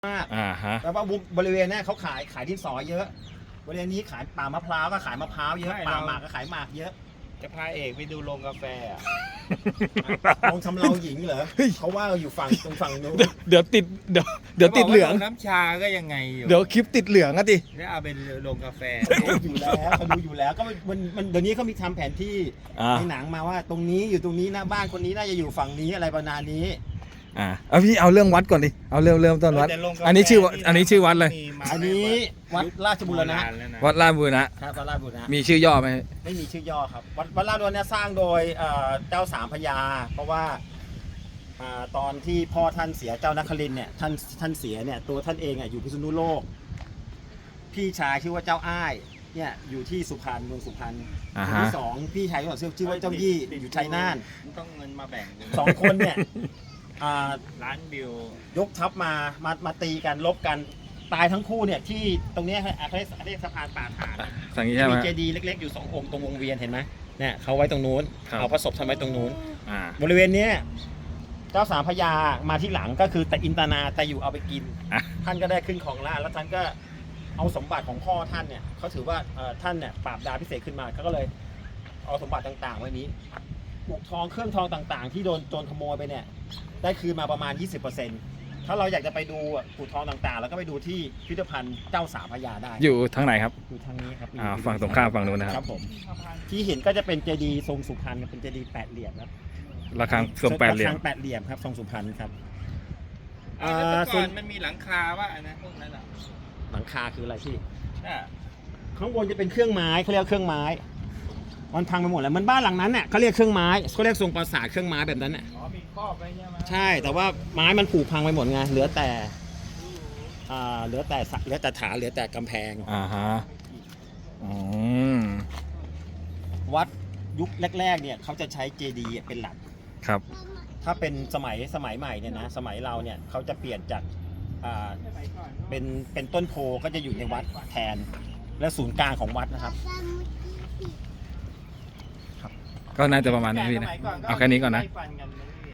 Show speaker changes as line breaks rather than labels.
มาก
ฮะ
แล้วว่าบริเวณนี้เขาขายดินสอเยอะบริเวณนี้ขายป่ามะพร้าวก็ขายมะพร้าวเยอะป่าหมากก็ขายหมากเยอะ
จะพาเอกไปดูโรงกาแฟอ่ะ
ลงทำเราหญิงเหรอเขาว่าอยู่ฝั่งตรงฝั่งนู้น
เดี๋ยวติดเดี๋ยวติดเหลือง
ขาบกว่าโรน้ำชาก็ยังไงอยู่
เดี๋ยวคลิปติดเหลืองอะดิ
แล้วเอาเป็นโรงกาแฟ
อยู่แล้วเขาดูอยู่แล้วก็มันเดี๋ยวนี้เขามีทำแผนที่ในหนังมาว่าตรงนี้อยู่ตรงนี้นะบ้านคนนี้น่าจะอยู่ฝั่งนี้อะไรประมาณนี้
เอาพี่เอาเรื่องวัดก่อนดิเอาเริ่มต้นวัด
แต่โรงกาแฟ
อันนี้ชื่อวัดเลย
มีมา
อันนี้วัดราชบุรณะ
นานแล้วน
วัดราชบุรณะ
ครับวัดราชบุรณะ
มีชื่อย่อไหม
ไม่มีชื่อย่อครับวัดราชบุรณะสร้างโดยเจ้าสามพระยา เพราะว่าตอนที่พ่อท่านเสียเจ้านครินทร์เนี่ยท่านเสียเนี่ยตัวท่านเองอยู่พิษณุโลกพี่ชายชื่อว่าเจ้าอ้ายเนี่ยอยู่ที่สุพรรณเมืองสุพรรณคนที่สองพี่ชายของชื่อว่าเจ้ายี่อยู่ชัยนาท
ต้องเงินมาแบ่ง
สองคนเนี่ย
ร้านบิวย
กทัพมาตีกันลบกันตายทั้งคู่เนี่ยที่ตรงเนี้ยเขาเรียกสะพานป่าฐาน
สั่งนี้ใช่ไหม
มีเจดีย์เล็กๆอยู่2 องค์ตรงวงเวียนเห็นไหมเนี่ยเขาไว้ตรงนู้น
ครับ
เอาพระศพทำไว้ตรงนู้น
อ่า
บริเวณเนี้ยเจ้าสามพระยามาที่หลังก็คือแต่อินตนาแต่อยู่เอาไปกิน ท่านก็ได้ขึ้นของราชย์แล้วท่านก็เอาสมบัติของพ่อท่านเนี่ยเขาถือว่าท่านเนี่ยปราบดาพิเศษขึ้นมาเขาก็เลยเอาสมบัติต่างๆไว้นี้ปุกทองเครื่องทองต่างๆ ที่โดนโจรขโมยไปเนี่ยได้คืนมาประมาณ 20%ถ้าเราอยากจะไปดูปุกทองต่างๆ แล้วก็ไปดูที่พิพิธภัณฑ์เจ้าสามพระยาได้
อยู่ทางไหนครับ
อยู่ทางนี้ครับ
ฝั่งตรงข้ามฝั่งนู้นนะค
ค
รั
รับ บผมที่เห็นก็จะเป็นเจดีย์ทรงสุพรรณเป็นเจดีย์8 เหลี่ยมนะ
ระฆังทรงแปดเหลี่ย
ระ
ม
ฆัง8 เหลี่ยมครับทรงสุพรรณครับ
แต่ก่
ส่
อ
วน
นมันมีหลังคาว่าอันนั้นพวกนั้นอ่ะ
หลังคาคืออะไรที่
น่ะ
ข้างบนจะเป็นเครื่องไม้เขาเรียกเครื่องไม้มันพังไปหมดแล้วมันบ้านหลังนั้นเนี่ยเขาเรียกเครื่องไม้เขาเรียกทรงปราสาทเครื่องไม้แบบนั้นน่ะ
อ๋อมีครอบไว้ใช่ไหม
ใช่แต่ว่าไม้มันผุพังไปหมดไงเหลือแต่เหลือแต่ฐานเหลือแต่กำแพง
ฮะอืม
วัดยุคแรกๆเนี่ยเขาจะใช้เจดีย์เป็นหลัก
ครับ
ถ้าเป็นสมัยใหม่เนี่ยนะสมัยเราเนี่ยเขาจะเปลี่ยนจากเป็นต้นโพก็จะอยู่ในวัดแทนและศูนย์กลางของวัดนะครับ
ก็น่าจะประมาณนี้พี่นะ
สมัยก่
เอาแค่นี้ก่อนนะ
ไล่ฟันกัน